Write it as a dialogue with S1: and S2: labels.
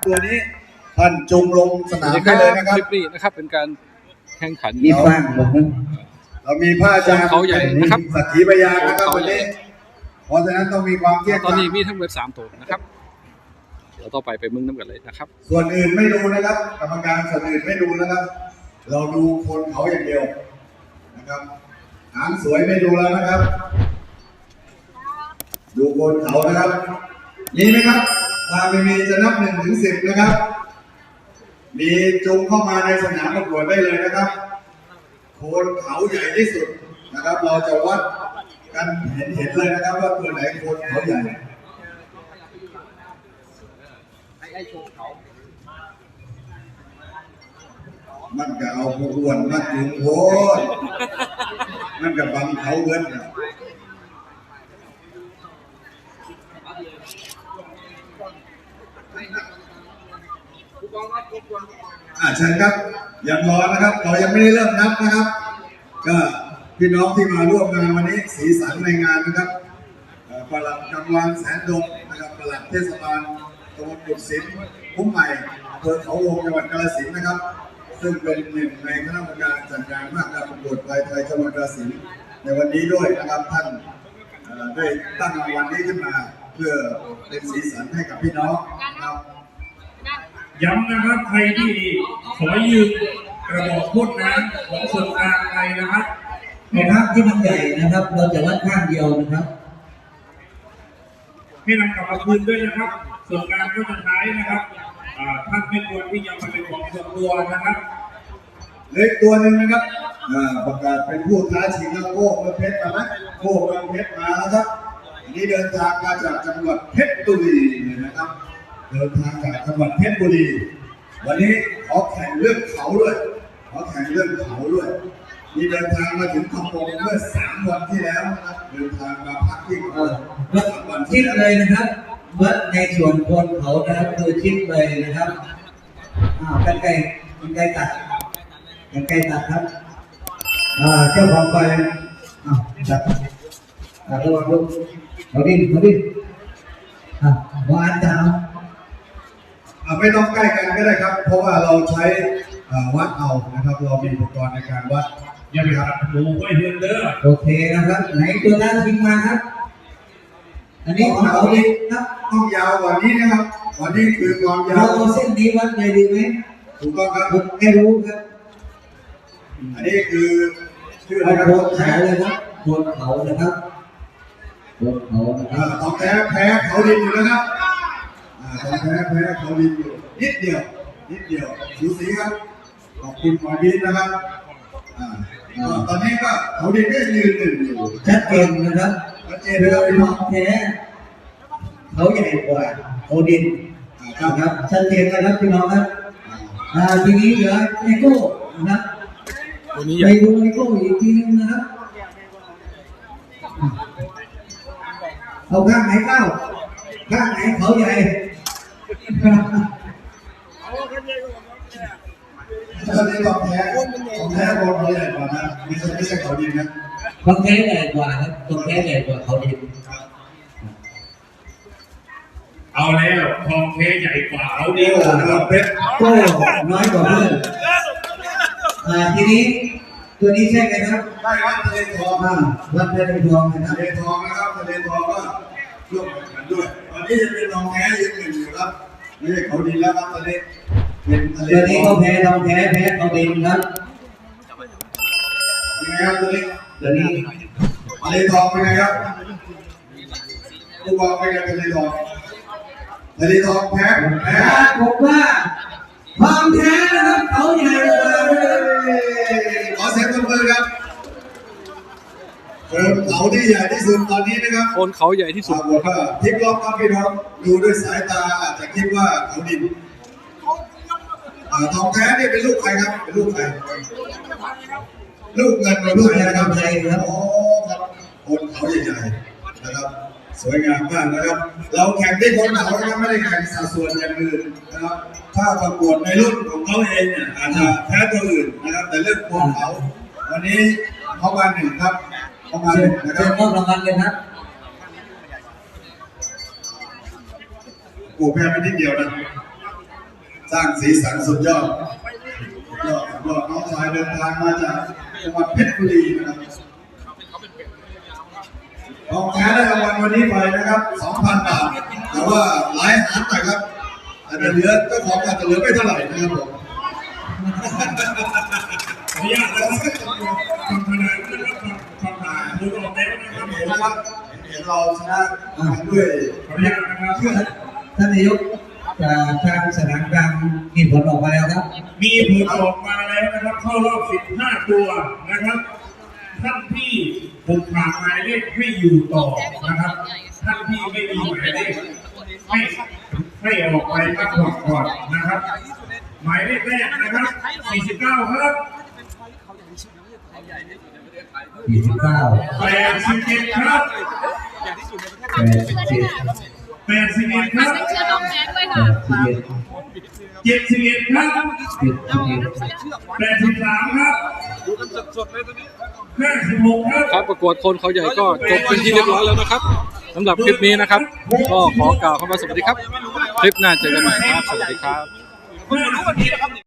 S1: ตัวนี้ท่านจงลงสนามได้เลยนะครับ
S2: คลิปนี้นะครับเป็นการแข่งขัน
S3: มีฟังบอกนะ
S1: เรามีผ้าจาน
S2: เขาใหญ่นะครับ
S1: สักขีพยานนะครับวันนี้เพราะฉะนั้นต้องมีความเที่ยง
S2: ตอนนี้มีทั้งเว็บ3 ตัวนะครับเดี๋ยวต่อไปมึงน้ำกันเลยนะครับ
S1: ส่วนอื่นไม่ดูนะครับกรรมการส่วนอื่นไม่ดูนะครับเราดูคนเขาอย่างเดียวนะครับหางสวยไม่ดูแล้วนะครับดูคนเขานะครับมีไหมครับถ้าไม่มีจะนับ1 ถึง 10นะครับมีจุงเข้ามาในสนามประกวดได้เลยนะครับโคนเขาใหญ่ที่สุดนะครับเราจะวัดกันเห็นเลยนะครับว่าตัวไหนโคนเขาใหญ่มันก็เอาพวนมาจุงโคนมันก็บังเขาเงินเชิญครับยังรอนะครับเรายังไม่ได้เริ่มนับนะครับก็พี่น้องที่มาร่วมงานวันนี้สีสันในงานนะครับปลัดกำลังแสนดงนะครับปลัดเทศบาลตำบลกุดสินพุ่มใหม่อำเภอเขาวงจังหวัดกาฬสินธุ์นะครับซึ่งเป็นหนึ่งในคณะกรรมการจัดงานมหกรรมประกวดควายไทยจังหวัดกาฬสินธุ์ในวันนี้ด้วยนะครับท่านได้ตั้งรางวัลนี้ขึ้นมาเพื่อเป็นสีสันให้กับพี่น้องนะครับ
S4: ย้ำนะครับใครที่ขอยืมกระบอกพ่นน้ำของส่วนกลางไปนะครับ
S3: ในภาพที่มันใหญ่นะครับเราจะวัดข้างเดียวนะครับ
S4: ให้นำกลับมาคืนด้วยนะครับส่วนกลางก็จะใช้นะครับท่านไม่ควรที่จะมาเป็นของส่วนตัวนะครับ
S1: เล็กตัวหนึ่งนะครับประกาศเป็นผู้ท้าชิงแล้วโก้เมืองเพชรมาไหมโก้เมืองเพชรมาแล้วครับอันนี้เดินทางมาจากจังหวัดเพชรบุรีเลยนะครับเดินทางจากจังหวัดเพชรบุรีวันนี้ขอแข่งเรื่องเขาด้วยมีเดินทางมาถึงคำปงเมื่อ3 วันที่แล้วนะครับเดินทางมาพักที่คำปง
S3: วันชิดเลยนะครับวัดในส่วนคนเขานะครับคือชิดเลยนะครับกันไกลตัดครับเจ้าของไปจัดระวังลูกเขาดิ้นวานจ้า
S1: ไม่ต้องใกล้กันก็ได้ครับเพราะว่าเราใช้วัดเอานะครับเรามีอุปกรณ์ในการวัด
S4: อย่าไปตัดหูไว้เพื่อนเด้อ
S3: โอเคนะครับไหนตัวนั้นทิ้งมาครับอันนี้ของเขาดีครับ
S1: ต้องยาวกว่านี้นะครับวันนี้คือความยาว
S3: เราเส้นนี้วัดเลยดีไหม
S1: ถูกต้องครับ
S3: ผมไม่รู้ครับ
S1: อันนี้คือชื่ออะไรครับ
S3: โคนเขาเลยครับโคนเขานะครับโคนเขา
S1: ต้องแพ้เขาดินอยู่นะครับต้องแพ้เขาดินอยู่นิดเดียวสูสีครับขอบคุณหมอดินนะครับตอนนี้ก็เขาดินก็ยืน1อยู่
S3: ชัดเจนนะครับเรือเป็นของแท้เขาใหญ่กว่าเขาดินครับชัดเจนนะครับพี่น้องครับทีนี้เหลือไอโก้นะครับไปดูไอโก้อีกทีนึงนะครับเอาข้างไหนเก้าข้างไหนเขาใหญ่
S1: ตอนนี้ของแท้คนเขาใหญ่กว่านะไม่ใช่เขาดินนะ
S3: ของแท้ใหญ่กว่าครับของแท้ใหญ่กว่าเขาดิน
S4: เอาแล้วทองเพใหญ่กว่าเขาดิน
S1: นะครับเพชร
S3: ก็น้อยกว่าเพื่อนทีนี้ตัวนี้ใช่ไหมครับ
S1: ได้วัดทะเลทอง
S3: วัดทะเลทองนะครับ
S1: ทะเลทองนะครับทะเลทองก็ร่วมแข่งขันด้วยตอนนี้จะเป็นทองแท้ยืน1อยู่ครับไม่ใช่เขาดินแล้วครับตอนนี้เป็นทะเล
S3: ตัวนี้ก็แพ้ทองแท้เขาดินครับ
S1: ยังไงครับตัวนี้ทะเลทองเป็นไงครับผู้บอกเป็นไงทะเลทองแพ้
S3: ผมว่าทองแท้นะครับเขาใหญ่กว่า
S1: ขอเสียงปรบมือครับโคนเขาที่ใหญ่ที่สุดตอนนี้นะครับ
S2: โคนเขาใหญ่ที่สุด
S1: พลิกล็อกครับพี่น้องดูด้วยสายตาอาจจะคิดว่าเขาดินทองแท้นี่เป็นลูกใครครับเป็นลูกใครลูกเงินเป็นลูกใครนะครับ
S3: ไทยครับ
S1: อ๋อครับคนเขาใหญ่ๆนะครับสวยงามมากนะครับเราแข่งที่คนเขานะครับไม่ได้แข่งสัดส่วนอย่างอื่นนะครับถ้าประกวดในรุ่นของเขาเองเนี่ยอาจจะแพ้ตัวอื่นนะครับแต่เรื่องคนเขาวันนี้เขามา1ครับเขามา1นะครับ
S3: มอบรางวัลเลยครับ
S1: โอ้แพ้ไปนิดเดียวนะสร้างสีสันสุดยอดยอดน้องชายเดินทางมาจากจังหวัดเพชรบุรีนะครับรองแพ้ได้รางวัลวันนี้ไปนะครับ 2,000 บาทแต่ว่าหลายหารหน่อยครับอาจจะเหลือเจ้าของอาจจะเหลือไม่เท่าไหร่นะครับผม
S4: ขออนุญาตนะครับฟังคะแนนนะครับฟังคะแนนผลออกแล้วนะครับผม
S1: นะครับเห็นเราชนะด้วย
S4: ขออนุญาตนะครับ
S3: ท่านนายกทางสนามกลางมีผลออกมาแล้วครับ
S4: มีผลออกมาแล้วนะครับเข้ารอบ 15 ตัวนะครับ ท่านที่ผมขาดหมายเลขให้อยู่ต่อนะครับ ท่านที่ไม่มีหมายเลขให้ออกไปพักผ่อนก่อนนะครับ หมายเลขแรกนะครับ 49 ครับ
S3: 49
S4: 87 ครับ
S3: 87
S4: 81 ครับ
S5: เชื่อน้องแนนด้วยค่ะ
S4: 71 ครับ 83 ครับ56 ครับ
S2: ครับประกวดคนเขาใหญ่ก็จบเป็นที่เรียบร้อยแล้วนะครับสำหรับคลิปนี้นะครับ ก็ขอกล่าวคำว่าสวัสดีครับ คลิปหน้าเจอกันใหม่ครับสวัสดีครับ